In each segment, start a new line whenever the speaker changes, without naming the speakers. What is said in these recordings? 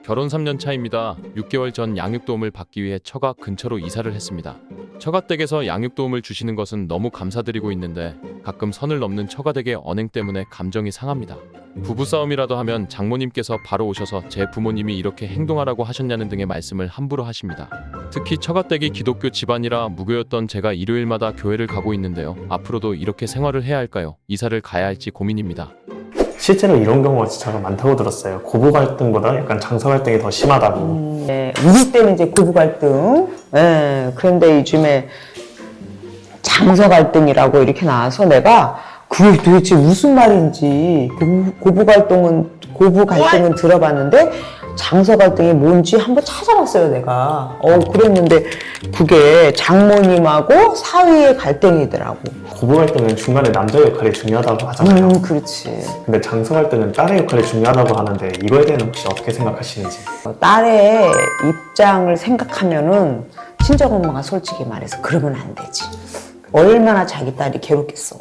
결혼 3년 차입니다. 6개월 전 양육도움을 받기 위해 처가 근처로 이사를 했습니다. 처가댁에서 양육도움을 주시는 것은 너무 감사드리고 있는데 가끔 선을 넘는 처가댁의 언행 때문에 감정이 상합니다. 부부싸움이라도 하면 장모님께서 바로 오셔서 제 부모님이 이렇게 행동하라고 하셨냐는 등의 말씀을 함부로 하십니다. 특히 처가댁이 기독교 집안이라 무교였던 제가 일요일마다 교회를 가고 있는데요. 앞으로도 이렇게 생활을 해야 할까요? 이사를 가야 할지 고민입니다.
실제로 이런 경우가 진짜 많다고 들었어요. 고부 갈등보다 약간 장서 갈등이 더 심하다고.
네, 우리 때는 이제 고부 갈등. 네, 그런데 요즘에 장서 갈등이라고 이렇게 나와서 내가 그게 도대체 무슨 말인지 고부 갈등은 들어봤는데 장서 갈등이 뭔지 한번 찾아봤어요, 내가. 그랬는데 그게 장모님하고 사위의 갈등이더라고.
고부 갈등은 중간에 남자 역할이 중요하다고 하잖아요.
그렇지.
근데 장서 갈등은 딸의 역할이 중요하다고 하는데 이거에 대해서 혹시 어떻게 생각하시는지?
딸의 입장을 생각하면은 친정엄마가 솔직히 말해서 그러면 안 되지. 얼마나 자기 딸이 괴롭겠어.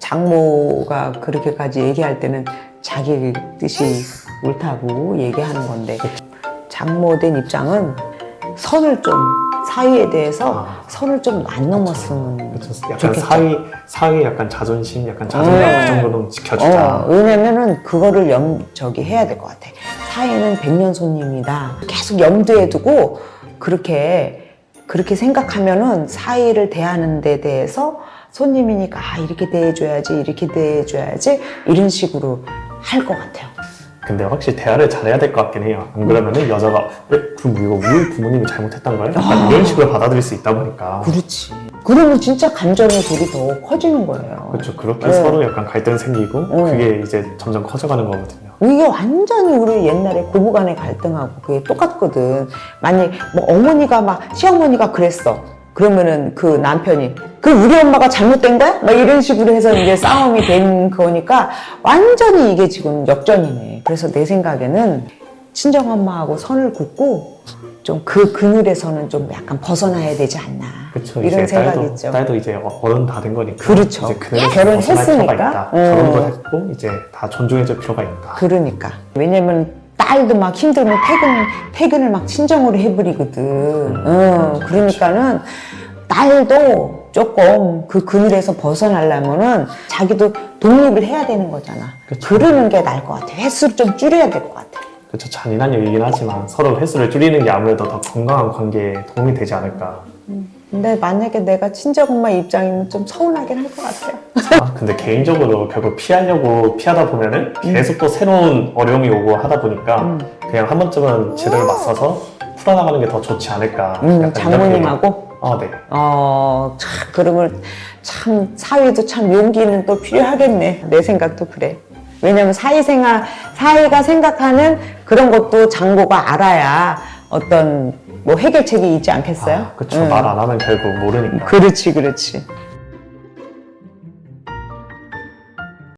장모가 그렇게까지 얘기할 때는 자기 뜻이 옳다고 얘기하는 건데 장모된 입장은 선을 좀 사위에 대해서 선을 좀 안 넘었으면
약간
좋겠죠.
사위 약간 자존심, 약간 자존감 그 정도는 지켜주자.
왜냐면은 그거를 해야 될 것 같아. 사위는 백년손님이다. 계속 염두에 두고 그렇게 생각하면은 사위를 대하는 데 대해서 손님이니까 이렇게 대해줘야지 이런 식으로 할 것 같아요.
근데 확실히 대화를 잘해야 될 것 같긴 해요. 안 그러면은 여자가 그럼 이거 우리 부모님이 잘못했던 거예요? 약간 이런 식으로 받아들일 수 있다 보니까.
그렇지. 그러면 진짜 감정의 돌이 더 커지는 거예요.
그렇죠. 그렇게 서로 약간 갈등 생기고 그게 이제 점점 커져가는 거거든요.
이게 완전히 우리 옛날에 고부간의 갈등하고 그게 똑같거든. 만약 뭐 어머니가 막 시어머니가 그랬어. 그러면은 그 남편이 그럼 우리 엄마가 잘못된 거야? 막 이런 식으로 해서 이제 싸움이 된 거니까 완전히 이게 지금 역전이네. 그래서 내 생각에는 친정엄마하고 선을 긋고 좀 그 그늘에서는 좀 약간 벗어나야 되지 않나.
그렇죠.
이런
이제
생각이 있죠.
딸도 이제 어른 다 된 거니까.
그렇죠.
이제 그늘에서
결혼했으니까.
벗어날 필요가 있다. 결혼도 했고 이제 다 존중해줄 필요가 있다.
그러니까. 왜냐면 딸도 막 힘들면 퇴근을 막 친정으로 해버리거든. 그러니까는 딸도 조금 그 그늘에서 벗어나려면은 자기도 독립을 해야 되는 거잖아.
그쵸.
그러는 게 나을 것 같아. 횟수를 좀 줄여야 될 것 같아.
그렇죠. 잔인한 얘기긴 하지만 서로 횟수를 줄이는 게 아무래도 더 건강한 관계에 도움이 되지 않을까.
근데 만약에 내가 친정엄마 입장이면 좀 서운하긴 할 것 같아요.
근데 개인적으로 결국 피하다 보면은 계속 또 새로운 어려움이 오고 하다 보니까 그냥 한 번쯤은 제대로 맞서서 풀어나가는 게 더 좋지 않을까. 약간
장모님하고?
네.
그러면 참 사위도 참 용기는 또 필요하겠네. 내 생각도 그래. 왜냐면 사위가 생각하는 그런 것도 장모가 알아야 어떤 뭐 해결책이 있지 않겠어요?
그렇죠. 말 안 하면 결국 모르니까.
그렇지.